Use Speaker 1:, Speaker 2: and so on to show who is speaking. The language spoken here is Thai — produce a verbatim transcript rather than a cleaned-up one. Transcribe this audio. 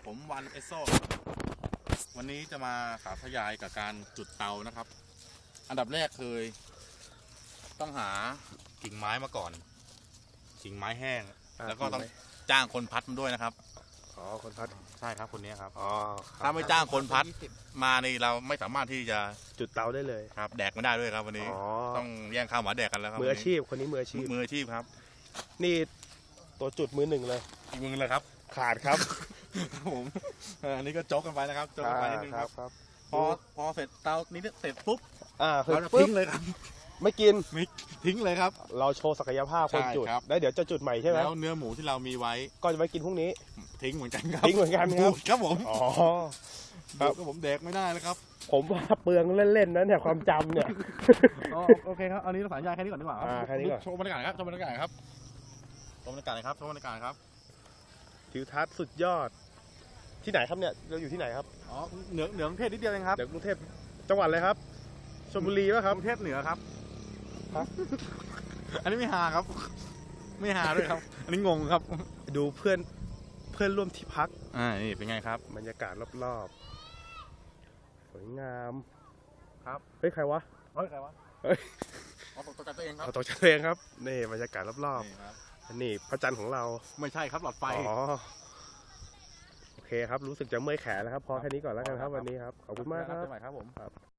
Speaker 1: ผมวันเอสโซวันนี้จะมาสาธยายกับการจุดเตานะครับอันดับแรกคือต้องหากิ่งไม้มาก่อนกิ่งไม้แห้งแล้วก็ต้องจ้างคนพัดมันด้วยนะครับ
Speaker 2: อ๋อคนพัด
Speaker 1: ใช่ครับคนนี้ครับ
Speaker 2: อ๋อ
Speaker 1: ถ้าไม่จ้างคนพัดมานี่เราไม่สามารถที่จะ
Speaker 2: จุดเตาได้เลย
Speaker 1: ครับแดกไม่ได้ด้วยครับวันนี้ต้องแย่งข้าวหมาแดกกันแล้วครับ
Speaker 2: มืออาชีพคนนี้มืออาชีพ
Speaker 1: มืออาชีพครับ
Speaker 2: นี่ตัวจุดมือหนึ่งเลย
Speaker 1: อีกมือเลยครับ
Speaker 2: ขาดครับ
Speaker 1: ครับผมอันนี้ก็โจ๊กกันไปนะครับโจ๊กกันไปนิดนึงครับพอพอเสร็จเตานี้เสร็จปุ๊บ
Speaker 2: อ่า
Speaker 1: เราจะทิ้งเลยครับ
Speaker 2: ไม่กิน
Speaker 1: ไม่ทิ้งเลยครับ
Speaker 2: เราโชว์ศักยภาพคนจุดแล้วเดี๋ยวจะจุดใหม่ใช่ไหม
Speaker 1: แล้วเนื้อหมูที่เรามีไว้
Speaker 2: ก็จะไว้กินพรุ่งนี้
Speaker 1: ทิ้งเหมือนกันครับ
Speaker 2: ทิ้งเหมือนกันครับ
Speaker 1: ครับผม
Speaker 2: อ๋อ
Speaker 1: ครับผมแดกไม่ได้แล้วครับ
Speaker 2: ผมว่าเปลืองเล่นๆนะเนี่ยความจำเนี่ย
Speaker 1: โอเคครับอันนี้เราสัญญาแค่นี้ก่อนดีกว่าครับ
Speaker 2: แค่นี้ก่อน
Speaker 1: ชมบรรยากาศครับชมบรรยากาศครับชมบรรยากาศครับชมบรรยากาศครับ
Speaker 2: ทิวทัศน์สุดยอดที่ไหนครับเนี่ยเราอยู่ที่ไหนครับ
Speaker 1: อ๋อเหนือเหนือกรุงเทพนิดเดียวเองครับ
Speaker 2: เหนือกรุงเทพจังหวัดอะไรครับชลบุรีป่ะครับ
Speaker 1: กรุงเทพเหนือครับอันนี้ไม่หาครับไม่หาด้วยครับอันนี้งงครับ
Speaker 2: ดูเพื่อนเพื่อนร่วมที่พัก
Speaker 1: อ่านี่เป็นไงครับ
Speaker 2: บรรยากาศรอบๆสวยงาม
Speaker 1: ครับ
Speaker 2: เฮ้ยใครวะ
Speaker 1: เฮ้ยใครวะ
Speaker 2: เฮ้ย
Speaker 1: เอาตกใจตัวเองครับ
Speaker 2: เอาตกใจตัวเองครับนี่บรรยากาศรอบๆอันนี้พระจันทร์ของเรา
Speaker 1: ไม่ใช่ครับหลอดไฟ
Speaker 2: อ๋อโอเคครับรู้สึกจะเมื่อยแขนแล้วครับพอแค่นี้ก่อนแล้วกันครับวันนี้ครับขอบคุณมากครับ
Speaker 1: ครับผม